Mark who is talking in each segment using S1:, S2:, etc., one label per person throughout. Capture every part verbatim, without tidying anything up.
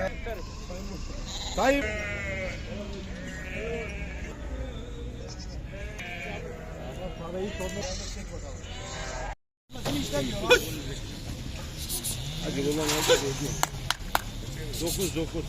S1: Tayyip.
S2: Hadi ulan hadi. Dokuz dokuz.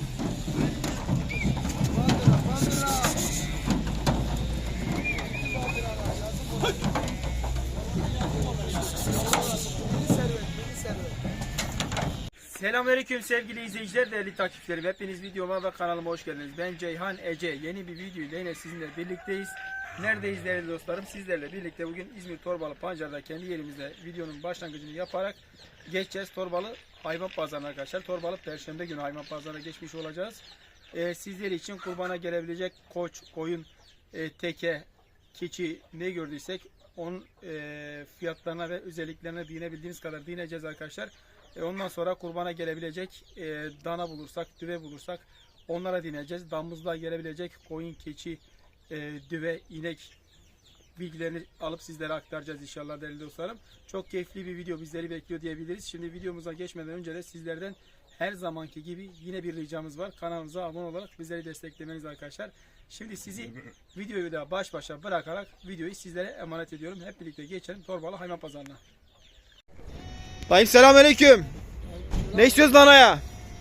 S1: Selamünaleyküm sevgili izleyiciler, değerli takipçilerim. Hepiniz videoma ve kanalıma hoş geldiniz. Ben Ceyhan Ece. Yeni bir video ile yine sizinle birlikteyiz. Neredeyiz değerli dostlarım? Sizlerle birlikte bugün İzmir Torbalı Pancar'da kendi yerimizde videonun başlangıcını yaparak geçeceğiz. Torbalı hayvan pazarına arkadaşlar. Torbalı Perşembe günü hayvan pazarına geçmiş olacağız. Ee, sizler için kurbana gelebilecek koç, koyun, e, teke, keçi ne gördüysek onun e, fiyatlarına ve özelliklerine değinebildiğimiz kadar değineceğiz arkadaşlar. E, ondan sonra kurbana gelebilecek e, dana bulursak, düve bulursak onlara değineceğiz. Damızlığa gelebilecek koyun, keçi, e, düve, inek bilgilerini alıp sizlere aktaracağız inşallah değerli dostlarım. Çok keyifli bir video bizleri bekliyor diyebiliriz. Şimdi videomuza geçmeden önce de sizlerden her zamanki gibi yine bir ricamız var. Kanalımıza abone olarak bizleri desteklemeniz arkadaşlar. Şimdi sizi videoyu da baş başa bırakarak videoyu sizlere emanet ediyorum. Hep birlikte geçelim Torbalı hayvan pazarına.
S3: Dayım selamünaleyküm. Ne istiyoruz danaya?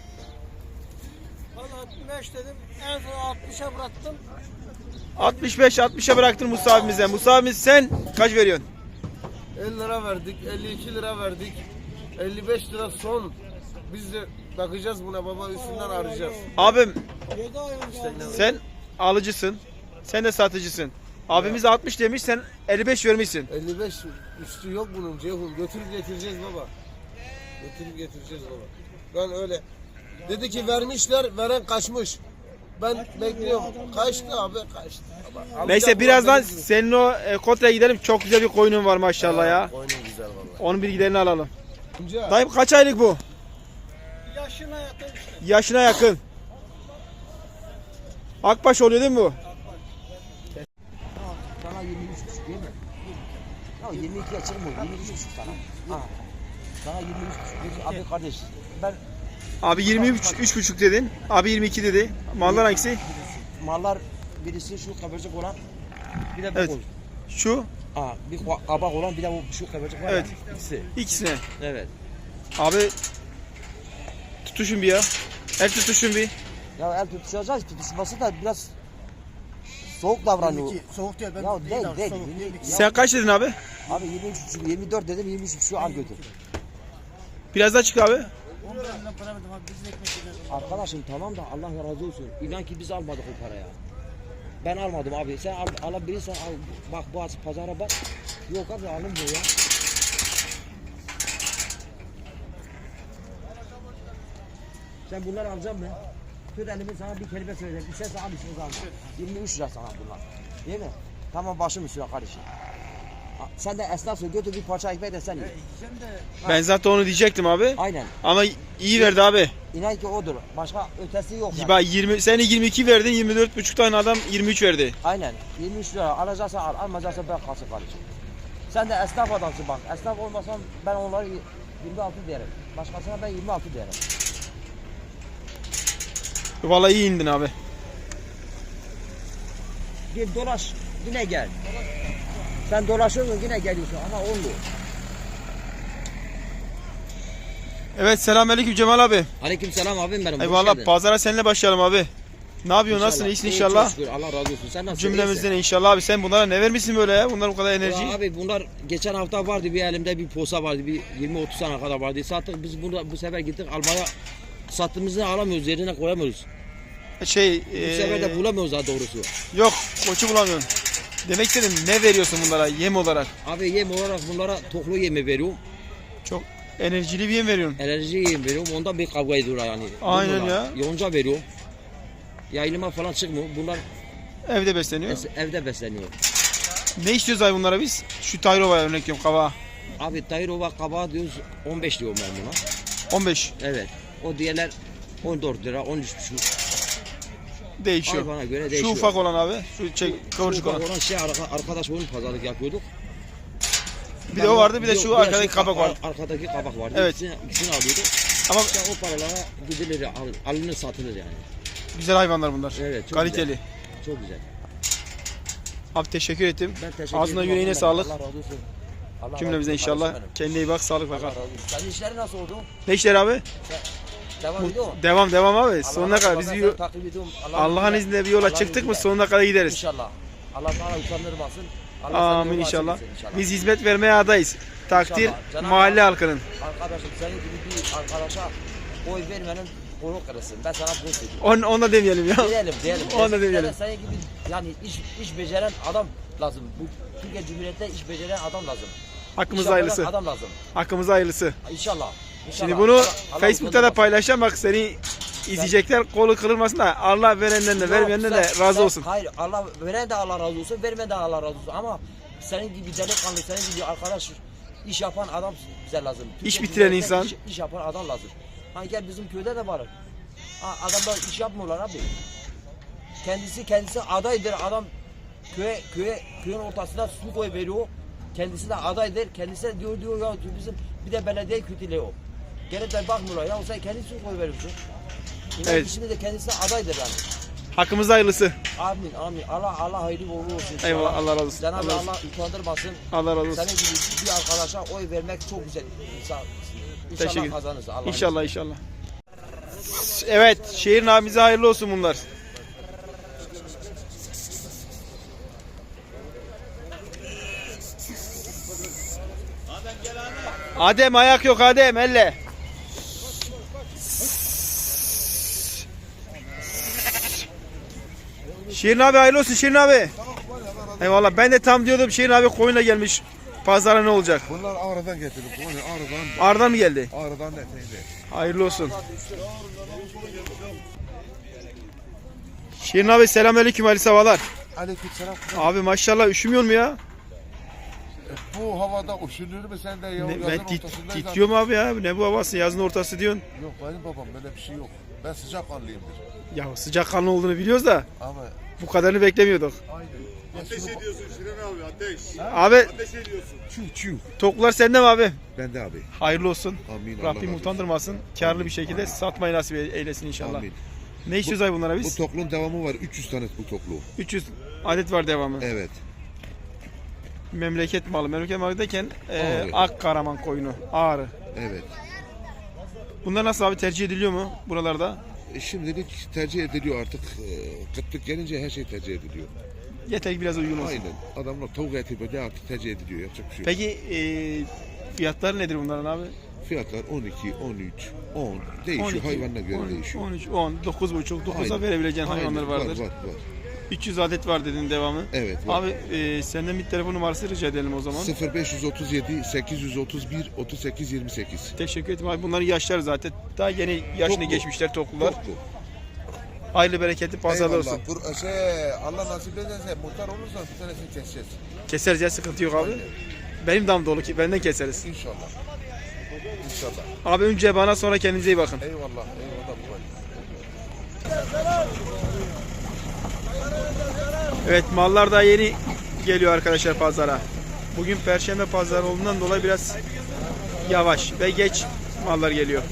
S4: Ben altmış beş dedim. En son altmışa bıraktım.
S3: altmış beş altmışa bıraktın Musa abimize. Musa abimiz sen kaç veriyorsun?
S4: elli lira verdik, elli iki lira verdik. elli beş lira son. Biz de bakacağız buna baba, üstünden arayacağız.
S3: Abim
S4: yedi ay önce
S3: sen alıcısın. Sen de satıcısın. Abimiz altmış demiş, sen elli beş vermişsin.
S4: elli beş üstü yok bunun Ceyhun. Götürüp getireceğiz baba. Götürüp getireceğiz baba. Ben öyle. Dedi ki vermişler, veren kaçmış. Ben bekliyorum. Kaçtı abi, kaçtı. Baba,
S3: Neyse
S4: alacağım,
S3: birazdan
S4: benim gibi.
S3: senin o e, Kotra'ya gidelim. Çok güzel bir koyunun var maşallah ya.
S4: Oyunun güzel baba.
S3: Onun bilgilerini alalım.
S4: Amca,
S3: Dayım kaç aylık bu?
S4: yaşına yakın işte.
S3: Yaşına yakın. Akbaş oluyor değil mi bu?
S5: Sana yirmi üç buçuk değil mi? Ya yirmi ikiye çıkmıyor, yirmi üç buçuk sana. Ha. Sana yirmi üç buçuk. Abi kardeş, ben
S3: Abi yirmi üç üç buçuk dedin. Abi yirmi iki dedi. Mallar hangisi?
S5: mallar birisi şu kabarcık olan, bir de bu
S3: Evet.
S5: koyun.
S3: Şu.
S5: Ha, bir kabak olan, bir de bu şu kabarcık var.
S3: Evet.
S5: Ya, ikisi.
S3: İkisine.
S5: Evet.
S3: Abi tutuşun bir ya. El tutuşun bir.
S5: Ya el tutuşacağız, tutuşması da biraz soğuk davranıyor.
S4: Soğuk değil, ben
S5: Ya
S4: değil
S5: değil,
S4: abi,
S5: değil.
S4: soğuk
S5: yirmi-
S4: değil.
S5: ya,
S3: Sen kaç dedin abi?
S5: Abi yirmi üç buçuk, yirmi dört dedim, yirmi üç buçuk al götür.
S3: Biraz daha çık abi.
S4: on liradan para verdim abi, biz de ekmek yiyeceğiz.
S5: Arkadaşım tamam da Allah razı olsun. İnan ki biz almadık o paraya. Ben almadım abi. Sen al, alabilirsen al. Bak bu az pazara bak. Yok abi alınmıyor ya. Sen bunları alacak mı? Tut elimi sana bir kelime söyleyeceğim. Bir ses al, bir ses al. yirmi üç lira sana bunlar. Değil mi? Tamam başım üstüne kardeşim. Ha, sen de esnafsın, götür bir parça ekmek de sen ye.
S3: Ben zaten onu diyecektim abi.
S5: Aynen.
S3: Ama iyi verdi abi.
S5: İnan ki odur. Başka ötesi yok yani.
S3: Bak yirmi sen yirmi iki verdin, yirmi dört buçuk tane adam yirmi üç verdi.
S5: Aynen. yirmi üç lira alacaksa al, almayacaksa bırak kalsın kardeşim. Sen de esnaf adamsın bak. Esnaf olmasan ben onları yirmi altı derim. Başkasına ben yirmi altı derim.
S3: Vallahi iyi indin abi.
S5: Bir dolaş yine gel. Sen dolaşıyorsun yine geliyorsun ama olmuyor.
S3: Evet selamünaleyküm Cemal abi.
S5: Aleykümselam abim benim.
S3: Eyvallah pazara seninle başlayalım abi. Ne yapıyorsun? Nasılsın? İyisin inşallah.
S5: Şükür, Allah razı olsun. Sen nasılsın?
S3: Cümlemizden inşallah abi. Sen bunlara ne vermişsin böyle ya? Bunlar bu kadar enerji.
S5: Ya abi bunlar geçen hafta vardı, bir elimde bir posa vardı, bir yirmi otuz tane kadar vardı. Sattık biz bunu bu sefer gittik almaya, sattığımızı alamıyoruz, yerine koyamıyoruz.
S3: Şey
S5: Bu sefer de
S3: ee,
S5: bulamıyoruz daha doğrusu.
S3: yok koçu bulamıyorum. Demek istedim ne veriyorsun bunlara yem olarak?
S5: Abi yem olarak bunlara toklu yemi veriyorum.
S3: Çok enerjili bir yem veriyorsun.
S5: Enerji yem veriyorum. Ondan bir kavga ediyorlar yani.
S3: Aynen
S5: Bunlarla.
S3: ya.
S5: Yonca veriyorum. Yayılıma falan çıkmıyor. Bunlar
S3: Evde besleniyor.
S5: es- evde besleniyor.
S3: Ne istiyoruz ay bunlara biz? Şu Tayrova'ya örnek veriyorum kaba.
S5: Abi Tayrova kabağı diyoruz on beş diyorum ben buna.
S3: on beş
S5: Evet. O diğerler on dört lira, on üç buçuk.
S3: değişiyor.
S5: Hayvana göre
S3: Şu
S5: değişiyor.
S3: ufak olan abi. Şu çek, kıvırcık
S5: Şu
S3: olan.
S5: olan şey arka- arkadaş onun pazarlık yapıyorduk.
S3: Bir de o vardı, bir de şu
S5: Yok,
S3: arkadaki
S5: şu
S3: kabak vardı.
S5: ar- Arkadaki kabak vardı.
S3: Evet.
S5: İkisini, ikisini alıyordu.
S3: Ama
S5: İşte o paralara gidilir, al, alınır satılır yani.
S3: güzel hayvanlar bunlar.
S5: Evet, çok
S3: Kaliteli.
S5: güzel. Çok güzel.
S3: Abi teşekkür ettim.
S5: Ben teşekkür
S3: Ağzına
S5: ederim.
S3: yüreğine
S5: Allah-
S3: sağlık.
S5: Allah razı olsun. Allah
S3: Cümlemize
S5: razı olsun
S3: inşallah.
S5: kardeşim benim.
S3: Kendine iyi bak, sağlıkla
S5: Allah
S3: kal.
S5: razı olsun. Senin işleri nasıl oldu?
S3: Ne işler abi?
S5: Devam ediyor mu?
S3: Devam devam abi.
S5: Allah
S3: Sonuna
S5: razı
S3: kadar
S5: olsun.
S3: biz
S5: Ben
S3: bir
S5: seni takip ediyorum.
S3: Allah'ın izniyle bir yola
S5: Allah'ın
S3: çıktık mı
S5: izniyle.
S3: sonuna kadar gideriz.
S5: İnşallah. Allah sana utandırmasın. Allah
S3: Amin
S5: seni
S3: inşallah.
S5: açık etsin
S3: Biz hizmet vermeye adayız. Takdir
S5: İnşallah. Cenab-ı
S3: mahalle
S5: Hak-
S3: halkının.
S5: Arkadaşım senin gibi bir arkadaşa oy vermenin konu kırılsın. Ben sana bunu söylüyorum.
S3: On, onu da demeyelim ya.
S5: Diyelim diyelim.
S3: Onu da
S5: Eskilere
S3: demeyelim.
S5: Senin gibi yani iş, iş beceren adam lazım. Bu Türkiye Cumhuriyeti'nde iş beceren adam lazım.
S3: Hakkımız
S5: İş yapan
S3: hayırlısı.
S5: Adam lazım.
S3: Hakkımız hayırlısı.
S5: İnşallah. İnşallah.
S3: Şimdi bunu
S5: Allah- Allah
S3: Facebook'ta da
S5: utandırmasın.
S3: paylaşacağım. Bak seni izleyecekler. Kolu kırılmasın da Allah verenden de
S5: Yok,
S3: vermeyenden de
S5: sen-
S3: razı
S5: sen-
S3: olsun.
S5: Hayır Allah veren de Allah razı olsun, vermeyen de Allah razı olsun. Ama senin gibi delikanlı, senin gibi arkadaş iş yapan adam bize lazım.
S3: İş
S5: Türkiye
S3: bitiren
S5: Cumhuriyeti'nde
S3: insan.
S5: Iş, iş yapan adam lazım. Ha gel bizim köyde de var. Ha, adamlar iş yapmıyorlar abi. Kendisi kendisi adaydır adam köye köye köyün ortasına su koy veriyor. Kendisi de adaydır. Kendisi de diyor diyor ya diyor, bizim bir de belediye kötülüyor. Gelip de bakmıyorlar ya sen kendisi su koy veriyorsun. İnan
S3: Evet.
S5: Şimdi de kendisi de adaydır yani.
S3: Hakkımız hayırlısı.
S5: Amin amin. Allah Allah hayırlı uğurlu olsun. inşallah.
S3: Eyvallah, Allah razı olsun.
S5: Cenab-ı
S3: Allah razı
S5: Allah utandırmasın.
S3: Allah razı olsun.
S5: Senin gibi bir arkadaşa oy vermek çok güzel. İnsan,
S3: Teşekkür
S5: İnşallah
S3: ederim.
S5: kazanırız. Allah'ın
S3: İnşallah inşallah. Evet, şehrin abimize hayırlı olsun bunlar. Adem ayak yok Adem elle. Şirin abi hayırlı olsun Şirin abi. Eyvallah ben de tam diyordum Şirin abi koyunla gelmiş. Pazara ne olacak?
S2: Bunlar Ağrı'dan getirdim. Konya Ağrı'dan.
S3: Arda mı geldi?
S2: Ağrı'dan detaylı.
S3: Hayırlı olsun. Şirin abi selamünaleyküm Ali Savalar.
S2: Aleykümselam.
S3: Abi maşallah üşümüyor mu ya?
S2: Bu havada üşünür mü sen de ya?
S3: Ne,
S2: Yazın
S3: ben tit,
S2: ortasındayız
S3: titriyorum abi ya. Ne bu havası? Yazın ortası diyorsun.
S2: abi. Yok benim babam böyle bir şey yok. Ben sıcak kanlıyımdır.
S3: Ya sıcak kanlı olduğunu biliyoruz da
S2: Ama
S3: bu kadarını beklemiyorduk.
S2: aynen.
S6: Ateş ediyorsun Şirin abi ateş.
S3: Abi
S6: Ateş ediyorsun.
S2: Çiv çiv.
S3: toklar sende mi abi?
S2: Ben de abi.
S3: Hayırlı olsun.
S2: Amin. Allah razı
S3: Rabbim
S2: olsun.
S3: utandırmasın. Karlı bir şekilde satmayı nasip eylesin inşallah.
S2: Amin.
S3: Ne istiyoruz ay bunlara
S2: Bu
S3: biz?
S2: toklun devamı var. üç yüz tane bu toklu.
S3: üç yüz adet var devamı.
S2: Evet.
S3: Memleket malı. Memleket malı derken e,
S2: Ağrı.
S3: Akkaraman koyunu. Ağrı.
S2: Evet.
S3: Bunlar nasıl abi tercih ediliyor mu buralarda?
S2: E, şimdilik tercih ediliyor artık. E, kıtlık gelince her şey tercih ediliyor.
S3: Yeter ki biraz uygun olsun.
S2: Aynen. Adamlar tavuk eti böyle artık tercih ediliyor. Yapacak bir şey yok.
S3: Peki e, fiyatları nedir bunların abi?
S2: Fiyatlar on iki, on üç, on değişiyor.
S3: on iki,
S2: Hayvanına göre
S3: on,
S2: değişiyor.
S3: on üç, on, dokuz buçuk, dokuza
S2: Aynen.
S3: verebileceğin
S2: Aynen.
S3: hayvanlar
S2: Var,
S3: vardır.
S2: var, var.
S3: üç yüz adet var dedin devamı.
S2: Evet, var.
S3: Abi e, senden bir telefon numarası rica edelim o zaman.
S2: sıfır beş otuz yedi, sekiz yüz otuz bir, otuz sekiz yirmi sekiz.
S3: Teşekkür ederim abi. Bunların yaşları zaten daha yeni yaşını
S2: Toklu.
S3: geçmişler toklular.
S2: Toklu.
S3: Hayırlı bereketli pazarlar olsun.
S2: Eyvallah. Bur- şey, Allah nasip ederse muhtar olursan bir tanesini keseceğiz.
S3: Keseriz ya sıkıntı yok abi. Benim dam dolu ki benden keseriz.
S2: İnşallah. İnşallah.
S3: Abi önce bana sonra kendinize iyi bakın.
S2: Eyvallah. Eyvallah. baba.
S3: Evet mallar da yeni geliyor arkadaşlar pazara. Bugün perşembe pazarı olduğundan dolayı biraz yavaş ve geç mallar geliyor.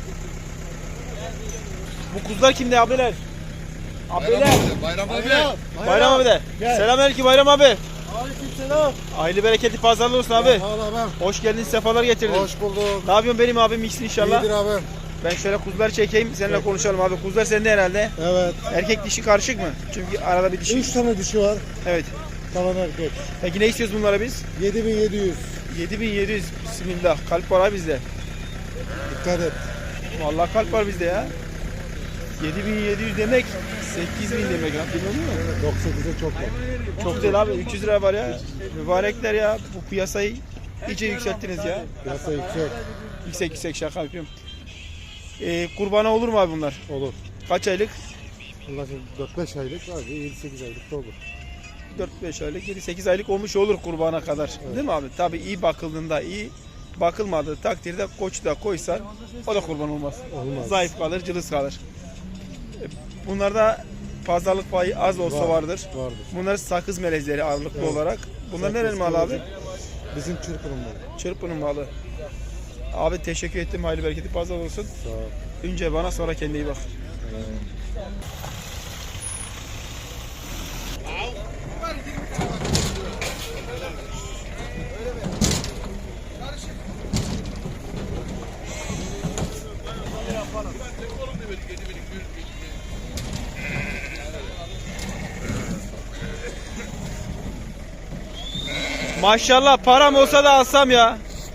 S3: Bu kuzular kimde abiler? Abiler.
S2: Bayram abi.
S3: Bayram abi de. Selamünaleyküm Bayram abi. Aleykümselam. Hayırlı bereketli pazarlar olsun abi. Hoş geldin, sefalar getirdin.
S2: Hoş bulduk.
S3: Ne yapıyorsun benim abim iyisin inşallah.
S2: İyidir abi.
S3: Ben şöyle kuzuları çekeyim seninle konuşalım abi. Kuzular sende herhalde.
S7: Evet.
S3: Erkek dişi karışık mı? Çünkü arada bir dişi.
S7: Üç tane dişi var.
S3: Evet.
S7: Kalan erkek.
S3: Peki ne istiyoruz bunlara biz?
S7: yedi bin yedi yüz.
S3: yedi bin yedi yüz. Bismillah. Kalp var abi bizde.
S7: Dikkat et.
S3: Vallahi kalp var bizde ya. yedi bin yedi yüz demek sekiz bin demek ya. Biliyor musun?
S7: doksan sekize çok var.
S3: Çok değil abi. üç yüz lira var ya. Mübarekler ya. Bu piyasayı iyice yükselttiniz ya.
S7: Piyasa yüksek.
S3: Yüksek yüksek şaka yapıyorum. Ee, kurbana olur mu abi bunlar?
S7: Olur.
S3: Kaç aylık?
S7: Allah şimdi dört beş aylık var. yedi sekiz aylık da olur.
S3: dört beş aylık, yedi sekiz aylık olmuş olur kurbana kadar. Değil mi abi? Tabii iyi bakıldığında iyi, bakılmadığı takdirde koç da koysan o da kurban olmaz.
S7: Olmaz.
S3: Zayıf kalır, cılız kalır. E, Bunlarda pazarlık payı az olsa
S7: Var,
S3: vardır.
S7: Vardır.
S3: Bunlar sakız melezleri ağırlıklı
S7: Evet.
S3: olarak. Bunlar
S7: Sakız
S3: nereli mal abi?
S7: melezi. Bizim Çırpı'nın malı.
S3: Çırpının malı. Abi teşekkür ettim. Hayırlı bereketli pazar olsun.
S7: Sağ ol.
S3: Önce bana sonra kendine iyi bak. Maşallah param olsa da alsam ya.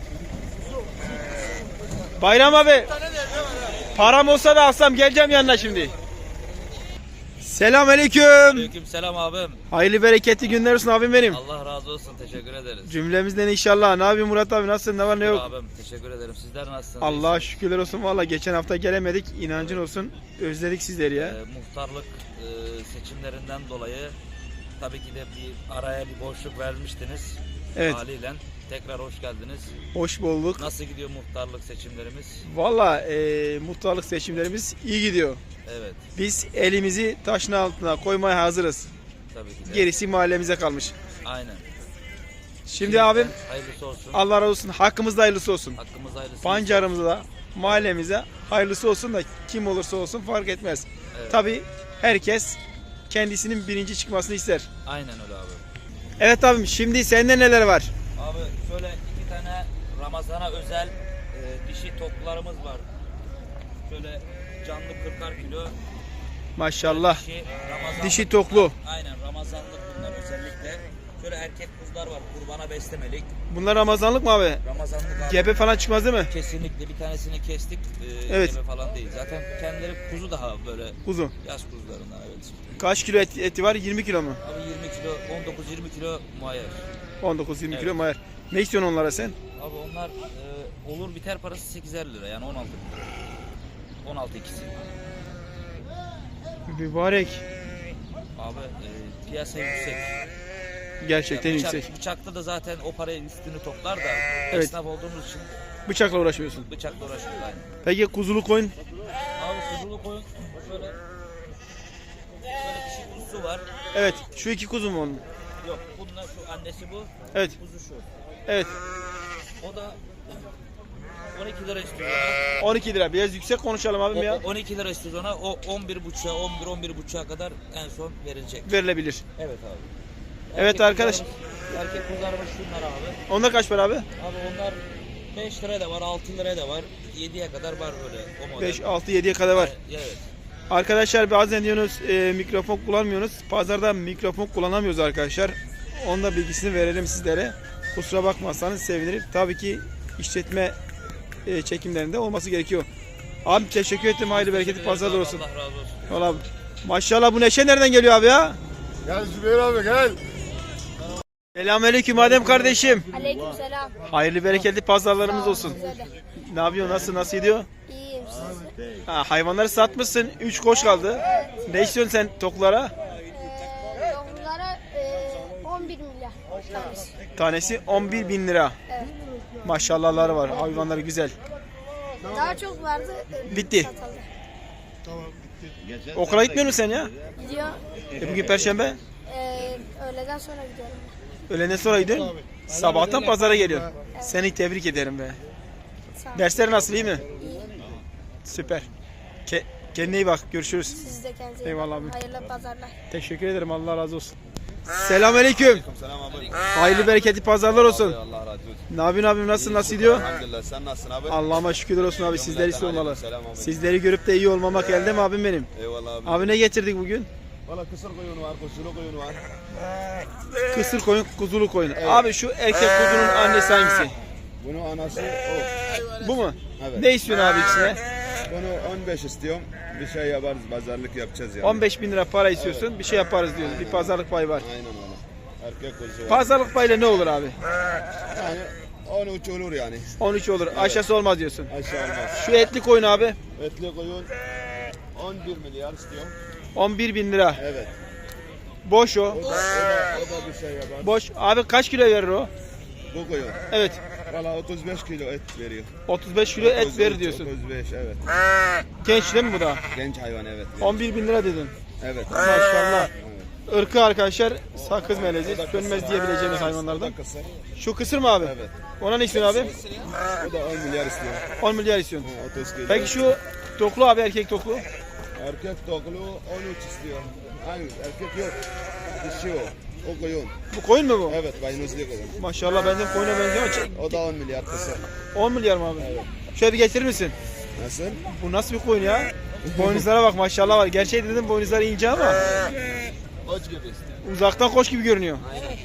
S3: Bayram abi. Param olsa da alsam geleceğim yanına şimdi. Selamünaleyküm.
S8: Aleyküm selam abim.
S3: Hayırlı bereketli günler olsun abim benim.
S8: Allah razı olsun. Teşekkür ederiz.
S3: Cümlemizden inşallah. Ne yapıyorsun Murat abi, nasılsın, ne var ne yok?
S8: Abim teşekkür ederim. Sizler nasılsınız?
S3: Allah'a şükürler olsun. Valla geçen hafta gelemedik. İnancın olsun. Özledik sizleri ya.
S8: Ee, muhtarlık e, seçimlerinden dolayı tabii ki de bir araya bir boşluk vermiştiniz.
S3: Evet.
S8: Haliyle tekrar hoş geldiniz.
S3: Hoş bulduk.
S8: Nasıl gidiyor muhtarlık seçimlerimiz?
S3: Valla e, muhtarlık seçimlerimiz iyi gidiyor.
S8: Evet.
S3: Biz elimizi taşın altına koymaya hazırız.
S8: Tabii ki de.
S3: Gerisi mahallemize kalmış.
S8: Aynen.
S3: Şimdi abim
S8: Hayırlısı olsun.
S3: Allah razı olsun. Hakkımızda hayırlısı olsun.
S8: Hakkımız hayırlısı.
S3: Pancarımıza da mahallemize hayırlısı olsun da kim olursa olsun fark etmez.
S8: Evet.
S3: Tabii herkes kendisinin birinci çıkmasını ister.
S8: Aynen öyle abi.
S3: Evet abim, şimdi sende neler var?
S8: Abi şöyle iki tane Ramazan'a özel e, dişi toplarımız var. Şöyle canlı kırkar kilo.
S3: Maşallah.
S8: Dişi, Ramazanlık
S3: Dişi toklu.
S8: Aynen Ramazanlık bunlar özellikle. Şöyle erkek kuzular var kurbana beslemelik.
S3: Bunlar Ramazanlık mı abi?
S8: Ramazanlık abi.
S3: Gebe falan çıkmaz değil mi?
S8: Kesinlikle bir tanesini kestik. Ee,
S3: Evet.
S8: Gebe falan değil. Zaten kendileri kuzu daha böyle
S3: Kuzu.
S8: yaz kuzularından evet.
S3: Kaç kilo et- eti var? yirmi kilo mu?
S8: Abi yirmi kilo, on dokuz yirmi kilo muayyer.
S3: on dokuz yirmi
S8: Evet.
S3: kilo mayar. Ne istiyorsun onlara sen?
S8: Abi onlar e, olur biter parası sekizer lira yani on altı lira. on altı ikisi.
S3: Mübarek.
S8: Abi e, piyasa yüksek.
S3: Gerçekten
S8: Yani bıçak-
S3: yüksek.
S8: Bıçakta da zaten o parayı üstünü toplar da
S3: Evet.
S8: esnaf olduğumuz için
S3: Bıçakla uğraşmıyorsun.
S8: bıçakla uğraşıyoruz aynı.
S3: Peki kuzulu koyun?
S8: Abi kuzulu koyun şöyle şöyle dişi kuzusu var.
S3: Evet. Şu iki kuzu mu onun?
S8: Yok bununla şu annesi bu.
S3: Evet.
S8: Kuzu şu.
S3: Evet.
S8: O da on iki lira istiyor
S3: on iki lira. Biraz yüksek konuşalım abim
S8: ona.
S3: ya.
S8: O, on iki lira istiyor ona. O on bir buçuğa, on bir on bir buçuğa kadar en son verilecek.
S3: Verilebilir.
S8: Evet abi.
S3: Evet
S8: Erkek
S3: arkadaş.
S8: kuzularımız- Erkek kuzularımız şunlar abi.
S3: Onda kaç para abi?
S8: Abi onlar beş liraya da var, altı liraya da var. yediye kadar var böyle o model.
S3: beş, altı, yediye kadar var.
S8: Evet.
S3: Arkadaşlar bazen diyorsunuz e, mikrofon kullanmıyorsunuz. Pazarda mikrofon kullanamıyoruz arkadaşlar. Onun da bilgisini verelim sizlere. Kusura bakmazsanız sevinirim. Tabii ki işletme e, çekimlerinde olması gerekiyor. Abi teşekkür ettim. Hayırlı bereketli pazarlar olsun.
S8: Allah razı olsun.
S3: Vallahi maşallah bu neşe nereden geliyor abi ya?
S6: Gel Zübeyir abi gel.
S3: Selamünaleyküm Adem kardeşim.
S9: Aleykümselam.
S3: Hayırlı bereketli pazarlarımız olsun.
S9: Size de.
S3: Ne yapıyorsun? Nasıl nasıl gidiyor?
S9: İyiyim siz.
S3: Ha, hayvanları satmışsın. üç koç kaldı. Ne istiyorsun sen toklara?
S9: Ee, Yavrulara e, on bir milyar tanesi.
S3: Tanesi on bir bin lira.
S9: Evet.
S3: Maşallahları var. Hayvanları güzel.
S9: Daha çok vardı. e,
S3: Bitti.
S9: Satıldı.
S3: Okula gitmiyor musun sen ya?
S9: Gidiyor.
S3: E bugün perşembe.
S9: E, öğleden sonra gidiyorum.
S3: Öğleden sonra gidiyorsun. Sabahtan pazara geliyorsun. Seni tebrik ederim be.
S9: Sağ olun.
S3: Dersler nasıl, iyi mi?
S9: İyi.
S3: Süper. Ke kendine iyi bak. Görüşürüz.
S9: Siz de kendinize iyi
S3: Eyvallah
S9: bakın.
S3: abi.
S9: Hayırlı pazarlar.
S3: Teşekkür ederim. Allah razı olsun. Selamünaleyküm.
S6: Selam abi.
S3: Hayırlı bereketli pazarlar olsun.
S6: Allah razı olsun.
S3: Ne yapıyorsun abim? Nasıl nasıl gidiyor?
S6: Elhamdülillah sen nasılsın abi?
S3: Allah'ıma şükürler olsun abi. Sizleri sormalı.
S6: Selam abi.
S3: Sizleri görüp de iyi olmamak elde mi abim benim?
S6: Eyvallah abi.
S3: Abi ne getirdik bugün?
S6: Valla kısır koyun var, kuzulu koyun var.
S3: Kısır koyun, kuzulu koyun. Abi şu erkek kuzunun annesi hangisi?
S6: Bunun anası o.
S3: Bu mu?
S6: Evet.
S3: Ne istiyorsun abi ikisine?
S6: Bunu on beş istiyorum. Bir şey yaparız, pazarlık yapacağız yani.
S3: on beş bin lira para istiyorsun. Bir şey yaparız diyoruz. Bir pazarlık payı var.
S6: Aynen öyle. Erkek kuzu var.
S3: Pazarlık payıyla ne olur abi?
S6: Yani on üç olur yani.
S3: on üç olur. Aşağısı olmaz diyorsun.
S6: Aşağı olmaz.
S3: Şu etli koyun abi.
S6: Etli koyun on bir milyar istiyorum.
S3: on bir bin lira.
S6: Evet.
S3: Boş o.
S6: O da, o da, o da bir şey yapar.
S3: Boş. Abi kaç kilo verir o?
S6: Bu koyun.
S3: Evet.
S6: Valla otuz beş kilo et veriyor.
S3: otuz beş kilo et verir diyorsun.
S6: otuz beş evet.
S3: Genç değil mi bu da?
S6: Genç hayvan evet.
S3: on bir bin lira dedin.
S6: Evet.
S3: Maşallah.
S6: Evet.
S3: ırkı arkadaşlar sakız melezi. Sönmez diyebileceğimiz hayvanlardan.
S6: Kısır.
S3: Şu kısır mı abi?
S6: Evet.
S3: Ona ne istiyorsun abi?
S6: O da on milyar istiyor.
S3: on milyar istiyorsun.
S6: otuz kilo.
S3: Peki şu toklu abi, erkek toklu.
S6: Erkek toklu on üç istiyor. Hayır erkek yok. Dişi o. O koyun.
S3: Bu koyun mu bu?
S6: Evet baynuzlu koyun.
S3: Maşallah benden koyuna benziyor.
S6: O da on milyar kısır.
S3: on milyar mı abi? Şöyle bir getirir misin?
S6: Nasıl?
S3: Bu nasıl bir koyun ya? Boynuzlara bak maşallah var. Gerçeği dedim boynuzları ince ama
S6: Koç gibi istiyor.
S3: uzaktan koç gibi görünüyor.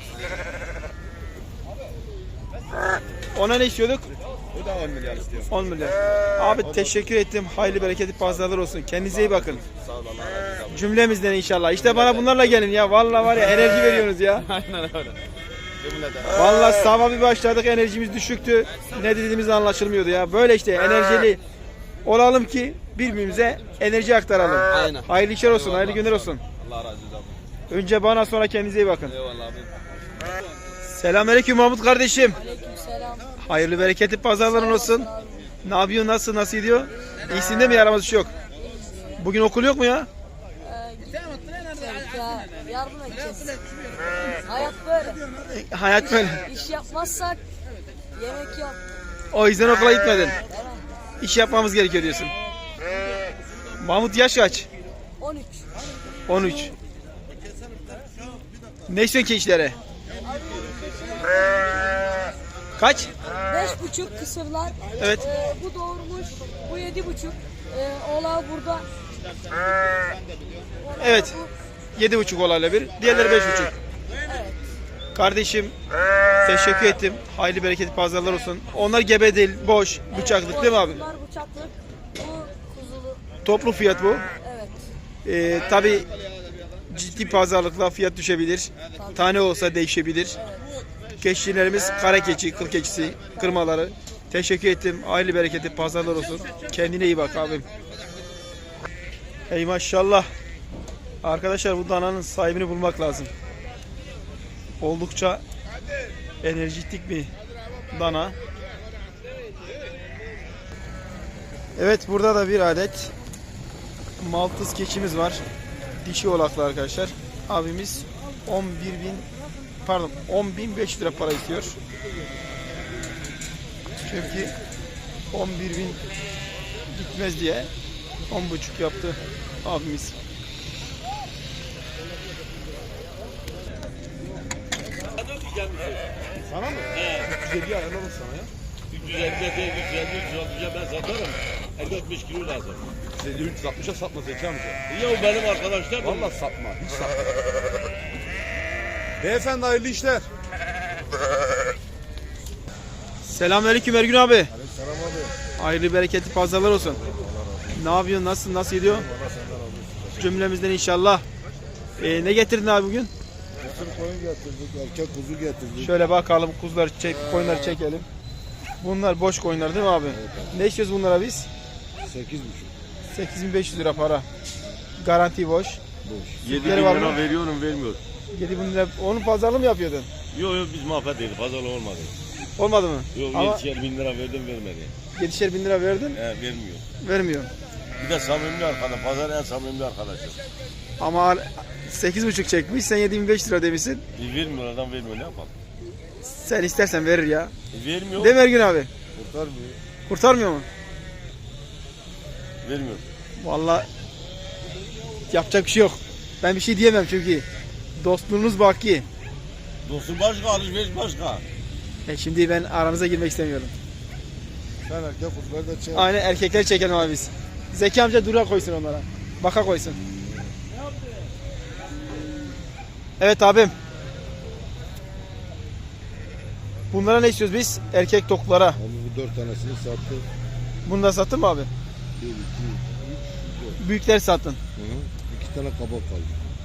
S3: Ona ne istiyorduk?
S6: O da on milyar istiyor.
S3: on milyar. Abi teşekkür ettim. Hayırlı bereketli pazarlar olsun. Kendinize iyi bakın.
S6: Sağ ol Allah razı olsun.
S3: Cümlemizden inşallah. İşte bana bunlarla gelin ya. Vallahi var ya enerji veriyorsunuz ya.
S6: Aynen öyle. Cümleden.
S3: Vallahi sabah bir başladık enerjimiz düşüktü. Ne dediğimiz anlaşılmıyordu ya. Böyle işte enerjili olalım ki birbirimize enerji aktaralım.
S6: Aynen.
S3: Hayırlı işler olsun, hayırlı günler olsun.
S6: Allah razı olsun.
S3: Önce bana sonra kendinize iyi bakın.
S6: Eyvallah abi.
S3: Selamünaleyküm Mahmut kardeşim.
S9: Aleykümselam.
S3: Hayırlı bereketli pazarların olsun. Ne yapıyorsun, nasıl, nasıl gidiyor? İyisin değil mi, yaramaz bir şey yok. Bugün okul yok mu ya?
S9: Ya yardım edeceğiz. Hayat böyle.
S3: Hayat böyle.
S9: İş yapmazsak yemek yok.
S3: O yüzden okula gitmedin. İş yapmamız gerekiyor diyorsun. Mahmut yaş kaç?
S9: on üç.
S3: on üç. Ne istiyorsun ki işlere? Kaç?
S9: Beş buçuk kısırlar.
S3: Evet.
S9: Ee, bu doğurmuş. Bu yedi buçuk. Ee, oğlağı burada.
S3: Evet. Yedi buçuk olayla bir. Diğerleri beş buçuk.
S9: Evet.
S3: Kardeşim teşekkür ettim. Hayırlı bereketli pazarlar olsun. Onlar gebe değil, boş, bıçaklık değil mi abi?
S9: Bunlar bıçaklık. Bu kuzulu.
S3: Toplu fiyat bu.
S9: Evet.
S3: Ee, tabii ciddi pazarlıkla fiyat düşebilir. Tane olsa değişebilir. Keçilerimiz kara keçi, kıl keçisi, kırmaları. Teşekkür ettim. Hayırlı bereketli pazarlar olsun. Kendine iyi bak abim. Ey maşallah. Arkadaşlar bu dananın sahibini bulmak lazım. Oldukça enerjitik bir dana. Evet, burada da bir adet Maltız keçimiz var. Dişi oğlaklı arkadaşlar. Abimiz on bir bin pardon on bin beş yüz lira para istiyor. Çünkü on bir bin gitmez diye on buçuk yaptı abimiz.
S7: Sana mı? He. üç yüz elli ayarlarım sana ya.
S10: üç yüz elli değil, üç yüz elli, üç yüz altıya ben satarım. elli altmış kilo lazım.
S7: Seni üç yüz altmışa satma Zeki amca.
S10: Ya benim arkadaşlar da
S7: Vallahi satma. Hiç satma. Beyefendi hayırlı işler.
S3: Selamünaleyküm Ergün abi.
S7: Selam abi.
S3: Hayırlı bereketli pazarlar olsun. Ne yapıyorsun? Nasılsın? Nasıl gidiyor? Cümlemizden inşallah. Ee, ne getirdin abi bugün?
S7: Kısır koyun getirdik, erkek kuzu getirdik.
S3: Şöyle bakalım, kuzuları çek, koyunları çekelim. Bunlar boş koyunlar değil mi abi? Ne istiyoruz bunlara biz?
S7: sekiz buçuk.
S3: sekiz bin beş yüz lira para. Garanti boş.
S7: Boş.
S10: yedi
S3: Sütleri
S10: bin
S3: var
S10: lira
S3: mı?
S10: veriyorum vermiyor.
S3: yedi bin lira. Onun pazarlığı mı yapıyordun?
S10: Yok yok biz muhabbet değil pazarlı olmadı.
S3: Olmadı mı?
S10: Yok
S3: Ama
S10: yetişer bin lira verdim vermedi.
S3: yedişer bin lira verdin,
S10: He vermiyor.
S3: vermiyor.
S10: Bir de samimi arkadaş, pazar en samimi arkadaşım.
S3: Ama sekiz buçuk çekmiş, sen yedi bin beş yüz lira demişsin.
S10: E, vermiyor adam vermiyor ne yapalım?
S3: Sen istersen verir ya.
S10: E, vermiyor.
S3: Değil mi Ergün abi?
S7: Kurtarmıyor.
S3: Kurtarmıyor mu?
S10: Vermiyor.
S3: Vallahi yapacak bir şey yok. Ben bir şey diyemem çünkü dostluğunuz baki.
S10: Dostum başka, alışveriş başka.
S3: E şimdi ben aranıza girmek istemiyorum.
S7: Sen erkek kuzuları da çek.
S3: Aynen, erkekler çekelim abi biz. Zeki amca dura koysun onlara. Baka koysun. Evet abim. Bunlara ne istiyoruz biz? Erkek toklara.
S7: Abi bu dört tanesini sattı.
S3: Bunu da sattın mı abi?
S7: Bir, iki, üç, dört.
S3: Büyükler sattın.
S7: Hı hı. İki tane kabak kaldı.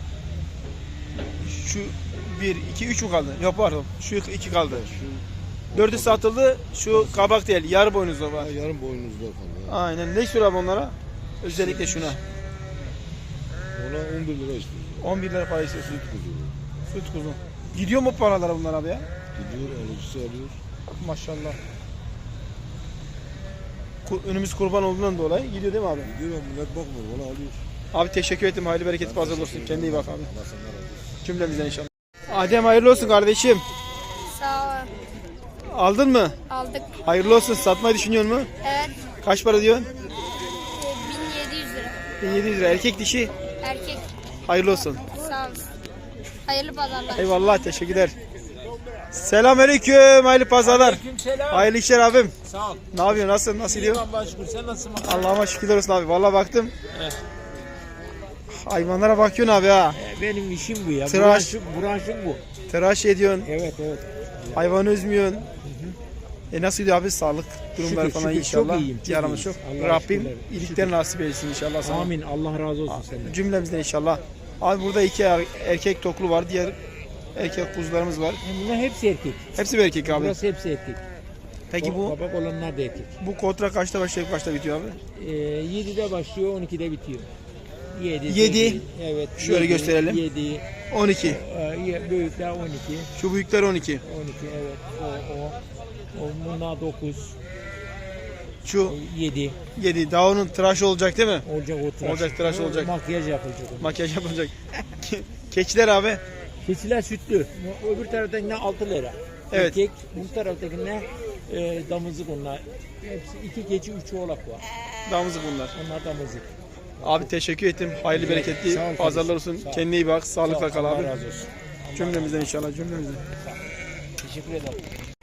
S3: Şu bir, iki, üç mü kaldı? Yok pardon. Şu iki kaldı.
S7: Şu
S3: Dördü satıldı. Şu kabak değil. Yarı boynuzlu var.
S7: ha, yarım boynuzda kaldı. Ha.
S3: Aynen. Ne istiyor abi onlara? Özellikle şuna.
S7: Ona on bir lira istiyor.
S3: on bir lira para istiyorsun.
S7: Süt kuzu.
S3: Süt kuzu. Gidiyor mu paralara bunlar abi ya?
S7: Gidiyor alıcısı alıyor.
S3: Maşallah. Ku- Önümüz kurban olduğundan dolayı gidiyor değil mi abi?
S7: Gidiyor millet bakmıyor. Ona alıyor.
S3: Abi teşekkür ettim. Hayırlı bereketli pazarlar olsun. Kendine iyi bak abi.
S7: Allah senden razı olsun.
S3: Cümlemizden inşallah. Adem hayırlı olsun kardeşim.
S9: Sağ ol.
S3: Aldın mı?
S9: Aldık.
S3: Hayırlı olsun. Satmayı düşünüyor mu?
S9: Evet.
S3: Kaç para diyorsun?
S9: e, bin yedi yüz lira.
S3: bin yedi yüz lira. Erkek dişi.
S9: Erkek.
S3: Hayırlı olsun.
S9: Sağ olasın. Hayırlı pazarlar.
S3: Eyvallah, teşekkürler. Selamünaleyküm, hayırlı pazarlar. Hayırlı işler abim.
S5: Sağ ol.
S3: Ne yapıyorsun? Nasıl? Nasıl gidiyor?
S5: Allah'a şükür. Sen nasılsın?
S3: Allah'ıma şükürler olsun abi. Vallahi baktım. Hayvanlara bakıyorsun abi ha.
S5: Benim işim bu ya.
S3: Tıraş.
S5: Branşım, branşım bu.
S3: Tıraş ediyorsun.
S5: Evet evet.
S3: Hayvanı üzmüyorsun. E nasıl gidiyor abi? Sağlık durumları
S5: Şükür,
S3: falan
S5: şükür.
S3: inşallah.
S5: Çok iyiyim, çok
S3: Yaramız
S5: iyiyim.
S3: çok.
S5: Allah'a
S3: Rabbim
S5: şükürler.
S3: iyilikler nasip etsin inşallah sana.
S5: Amin. Allah razı olsun senden.
S3: Cümlemizden inşallah. Abi burada iki er- erkek toklu var. Diğer erkek kuzularımız var.
S5: Bunlar hepsi erkek.
S3: Hepsi bir erkek abi.
S5: Burası hepsi erkek.
S3: Peki bu
S5: Kabak olanlar da erkek.
S3: bu kontra kaçta başlayıp kaçta bitiyor abi?
S5: Ee, yedide başlıyor, on ikide bitiyor. yedi.
S3: Yedi.
S5: Evet.
S3: Şöyle
S5: yedi,
S3: gösterelim.
S5: yedi.
S3: on iki.
S5: Ee, büyükler on iki.
S3: Şu büyükler on iki.
S5: on iki evet. O, o. o bunlar dokuz.
S3: Şu
S5: yedi.
S3: yedi. Daha onun tıraş olacak değil mi?
S5: Olacak o tıraş.
S3: Olacak, tıraş
S5: O
S3: olacak.
S5: Makyaj yapılacak. onun.
S3: Makyaj yapılacak. Keçiler abi.
S5: Keçiler sütlü. Öbür taraftakine altı lira.
S3: Evet.
S5: Erkek, bu taraftakine e, damızlık onlar. Hepsi iki keçi, üç oğlak var.
S3: Damızlık bunlar.
S5: Onlar damızlık.
S3: Abi teşekkür ettim. Hayırlı bereketli
S5: Sağ ol
S3: pazarlar olsun.
S5: kardeşim, sağ ol.
S3: Kendine iyi bak. Sağlıkla kal
S5: Allah
S3: abi.
S5: razı olsun.
S3: Cümlemizden inşallah, cümlemizden.
S5: Teşekkür ederim.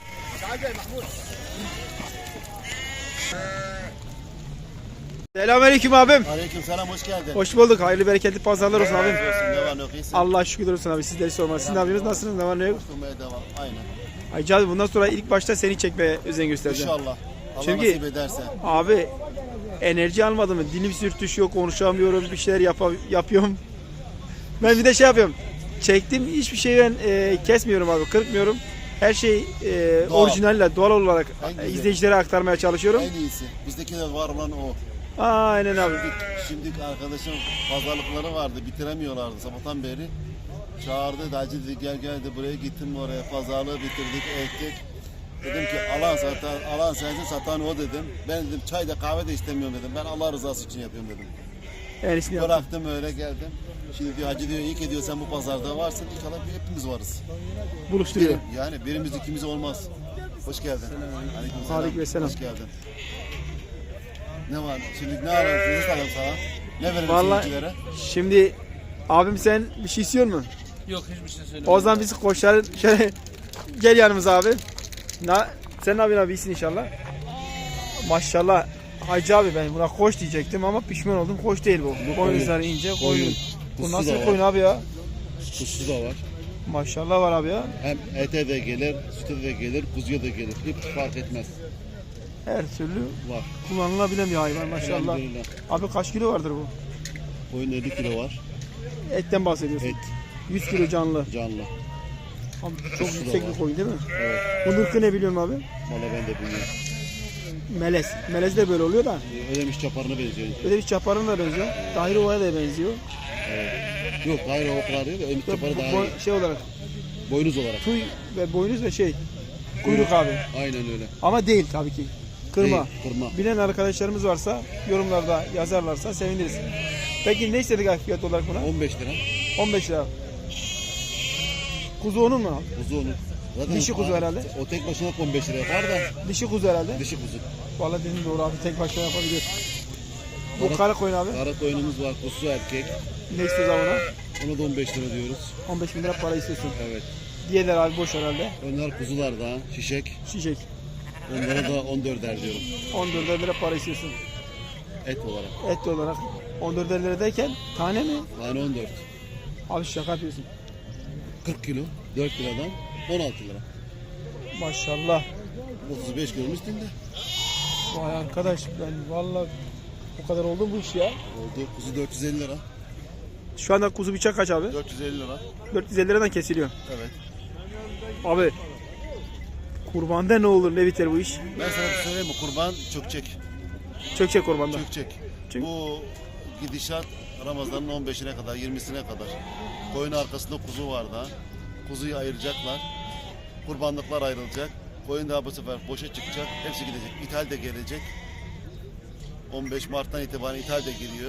S3: Selamünaleyküm abim.
S6: Aleyküm selam, hoş geldin.
S3: Hoş bulduk. Hayırlı bereketli pazarlar olsun abim.
S6: Ne var ne yok, iyisin?
S3: Allah şükürler olsun abi. Sizleri sormalı. Siz ne yapıyorsunuz? Nasılsınız? Ne var ne yok?
S6: Okumaya devam, aynen.
S3: Ayca abi bundan sonra ilk başta seni çekmeye özen göstereceğim.
S6: İnşallah. Allah
S3: Çünkü-
S6: nasip ederse.
S3: Abi enerji almadım mı? Dilim sürtüşüyor, konuşamıyorum, bir şeyler yapa- yapıyorum. Ben bir de şey yapıyorum. Çektim hiçbir şey ben e, kesmiyorum abi, kırpmıyorum. Her şey e,
S6: Doğal.
S3: orijinalle, doğal olarak
S6: En
S3: e,
S6: güzel.
S3: izleyicilere aktarmaya çalışıyorum.
S6: En iyisi. Bizdeki de var olan o.
S3: Aynen abi.
S6: Şimdi arkadaşım pazarlıkları vardı, bitiremiyorlardı sabahtan beri. Çağırdı, Dacı dedi gel gel de buraya gittim oraya, pazarlığı bitirdik, ettik. Dedim ki alan satan, alan sensin, satan o dedim. Ben dedim çay da kahve de istemiyorum dedim. Ben Allah rızası için yapıyorum dedim.
S3: En iyisini yaptım.
S6: Bıraktım öyle geldim. Şimdi diyor hacı diyor iyi ki diyor sen bu pazarda varsın. İnşallah bir hepimiz varız.
S3: Buluşturuyor.
S6: Yani birimiz ikimiz olmaz. Hoş geldin. Aleykümselam.
S3: Aleykümselam.
S6: Hoş geldin. Ne var? Şimdi ne alalım? Ne alalım sana? Ne verelim
S3: Vallahi
S6: seyircilere?
S3: şimdi abim sen bir şey istiyor mu?
S8: Yok hiçbir şey söylemiyorum.
S3: O zaman biz koşar şöyle gel yanımıza abi. Na, sen ne yapıyorsun abi, iyisin inşallah. Maşallah. Hacı abi ben buna koş diyecektim ama pişman oldum. Koş değil bu. Koyunları ince koyun. Bu
S6: Kuzu
S3: nasıl
S6: da
S3: bir
S6: var.
S3: koyun abi ya?
S6: Kuzu da var.
S3: Maşallah var abi ya.
S6: Hem ete de gelir, süte de gelir, kuzuya da gelir. Hiç fark etmez.
S3: Her türlü
S6: Var.
S3: kullanılabilen bir hayvan maşallah.
S6: Elhamdülillah.
S3: Abi kaç kilo vardır bu?
S6: Koyun elli kilo var.
S3: Etten bahsediyorsun.
S6: Et,
S3: yüz kilo canlı.
S6: canlı.
S3: Abi çok
S6: Kuzu da
S3: yüksek
S6: var.
S3: bir koyun değil mi?
S6: Evet.
S3: Bunun ırkı ne biliyorum abi?
S6: Valla ben de bilmiyorum.
S3: Melez. Melez de böyle oluyor da.
S6: Ödemiş çaparına benziyor.
S3: Öyle bir çaparın da benziyor. Tahir Ova'ya da benziyor.
S6: Yok, hayır o kadar değil de ödemiş
S3: Bu-
S6: çaparı
S3: bu-
S6: daha
S3: bu-
S6: iyi.
S3: şey olarak
S6: Boynuz olarak.
S3: tüy ve boynuz ve şey kuyruk abi.
S6: Aynen öyle.
S3: Ama değil tabii ki. Kırma.
S6: Değil, kırma.
S3: Bilen arkadaşlarımız varsa yorumlarda yazarlarsa seviniriz. Peki ne istedik abi fiyat olarak buna?
S6: on beş lira.
S3: on beş lira. Kuzu onun mu?
S6: Kuzu onun. Zaten
S3: Dişi kuzu
S6: o-
S3: herhalde.
S6: O tek başına on beş lira yapar da
S3: Dişi kuzu herhalde.
S6: dişi kuzu.
S3: Vallahi dediğin doğru abi, tek başına yapabilir. Bu
S6: Kara-
S3: kara koyun abi.
S6: Kara koyunumuz var, kuzu erkek.
S3: Ne istiyoruz abi ona?
S6: Ona da on beş lira diyoruz.
S3: on beş bin lira para istiyorsun.
S6: Evet.
S3: Diğerler abi boş herhalde.
S6: Onlar kuzular da, şişek.
S3: Şişek.
S6: Onlara da on dörder diyorum.
S3: on dört lira para istiyorsun.
S6: Et olarak.
S3: Et olarak. on dört lira derken tane mi?
S6: Tane on dört.
S3: Abi şaka yapıyorsun.
S6: kırk kilo, dört liradan on altı lira.
S3: Maşallah.
S6: otuz beş kilonun üstünde.
S3: Vay arkadaş ben vallahi o kadar oldu bu iş ya.
S6: Oldu. Kuzu dört yüz elli lira.
S3: Şu anda kuzu bıçak kaç abi?
S6: dört yüz elli lira.
S3: dört yüz elli liradan kesiliyor.
S6: Evet.
S3: Abi kurbanda ne olur ne biter bu iş?
S6: Ben sana bir söyleyeyim mi? Kurban çökecek.
S3: Çökecek kurbanda.
S6: Çökecek.
S3: Çünkü-
S6: Bu gidişat Ramazan'ın on beşine kadar, yirmisine kadar. Koyun arkasında kuzu var daha. Kuzuyu ayıracaklar. Kurbanlıklar ayrılacak. Koyun daha bu sefer boşa çıkacak. Hepsi gidecek. İthal de gelecek. on beş Mart'tan itibaren ithal de giriyor.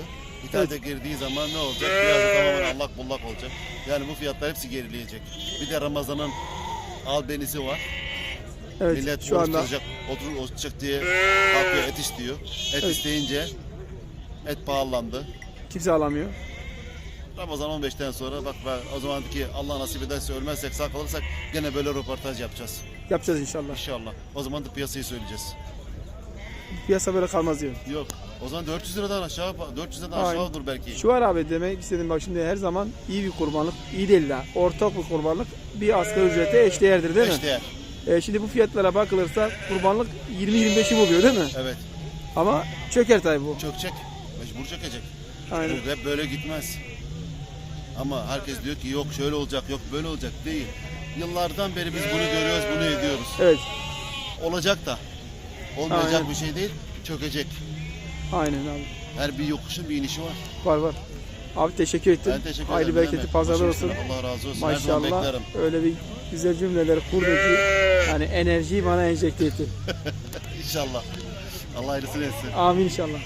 S6: İthalata girdiği zaman ne olacak? Piyasa tamamen allak bullak olacak. Yani bu fiyatlar hepsi gerileyecek. Bir de Ramazan'ın albenisi var.
S3: Evet,
S6: Millet
S3: şu
S6: oruç
S3: anda
S6: tutacak, oturup oruç tutacak diye kalkıyor et istiyor. Et
S3: Evet.
S6: isteyince et pahalandı.
S3: kimse alamıyor.
S6: Ramazan on beşten sonra bak ben o zaman ki Allah nasip ederse ölmezsek sağ kalırsak gene böyle röportaj yapacağız.
S3: Yapacağız inşallah.
S6: İnşallah. O zaman da piyasayı söyleyeceğiz.
S3: Piyasa böyle kalmaz diyor.
S6: Yok. O zaman dört yüz liradan aşağı dört yüz liradan
S3: Aynen.
S6: aşağı olur belki.
S3: Şu var abi demek istedim bak şimdi her zaman iyi bir kurbanlık, iyi değil de ortak bir kurbanlık bir asgari ücrete eşdeğerdir değil mi?
S6: İşte
S3: E, şimdi bu fiyatlara bakılırsa kurbanlık yirmi yirmi beşi buluyor değil mi?
S6: evet.
S3: Ama çöker tabii bu.
S6: Çökecek. Mecbur çökecek.
S3: Aynen.
S6: Bu hep böyle gitmez. Ama herkes diyor ki yok şöyle olacak, yok böyle olacak değil. Yıllardan beri biz bunu görüyoruz, bunu ediyoruz.
S3: Evet.
S6: Olacak da. Olmayacak
S3: Aynen.
S6: bir şey değil, çökecek.
S3: Aynen abi.
S6: Her bir yokuşun bir inişi var.
S3: Var var. Abi teşekkür ettim.
S6: Ben teşekkür ederim.
S3: Hayırlı
S6: ne
S3: bereketli
S6: demek.
S3: pazarlar
S6: Başım
S3: olsun.
S6: üstüne, Allah razı olsun. Her zaman
S3: Maşallah
S6: beklerim.
S3: öyle bir güzel cümleler kurdu ki yani enerjiyi bana enjekte etti.
S6: İnşallah. Allah hayırlısını etsin.
S3: Amin inşallah.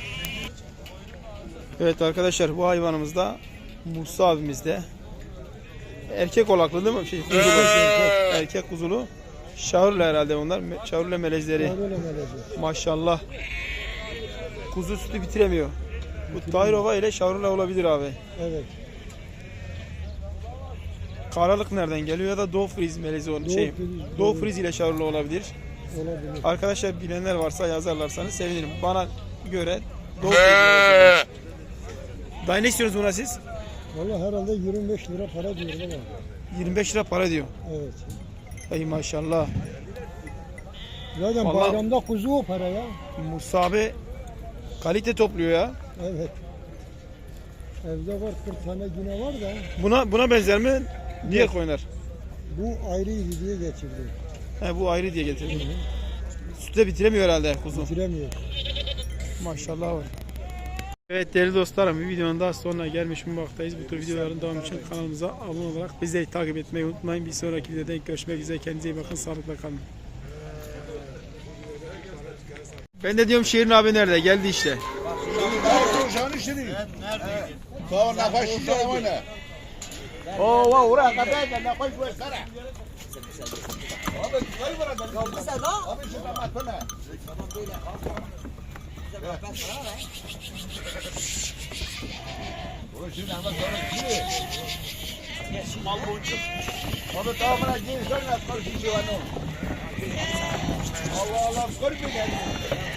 S3: Evet arkadaşlar bu hayvanımız da Musa abimiz de. Erkek olaklı değil mi? Şey, kuzulu. Erkek kuzulu. Şahırlı herhalde onlar. Me- Şahırlı melezleri. Maşallah. Kuzu sütü bitiremiyor. Bu Tayrova ile Şahırlı olabilir abi.
S7: Evet.
S3: Karalık nereden geliyor ya da Doğu Friz melezi olan şey.
S7: Friz,
S3: Doğu Friz ile Şahırlı olabilir.
S7: Olabilir.
S3: Arkadaşlar bilenler varsa yazarlarsanız sevinirim. Bana göre Doğu Friz melezi. Daha ne istiyorsunuz buna siz?
S7: Valla herhalde yirmi beş lira para diyor baba.
S3: yirmi beş lira para diyor.
S7: Evet.
S3: Ey maşallah.
S7: Zaten
S3: Vallahi-
S7: bayramda kuzu o para ya.
S3: Musa abi kalite topluyor ya.
S7: Evet. Evde var kırk tane yine var da
S3: Buna buna benzer mi? Diğer koyunlar.
S7: bu ayrıydı diye getirdi.
S3: He, bu ayrı diye getirdim. Sütle bitiremiyor herhalde kuzu.
S7: Bitiremiyor.
S3: Maşallah var. Evet değerli dostlarım bir videonun daha sonuna gelmiş bulunmaktayız. Bu tür videoların devamı için kanalımıza abone olarak bizleri takip etmeyi unutmayın. Bir sonraki videoda görüşmek üzere. Kendinize iyi bakın. Sağlıkla kalın. Ben de diyorum Şirin abi nerede? Geldi işte.
S4: Allah Allah,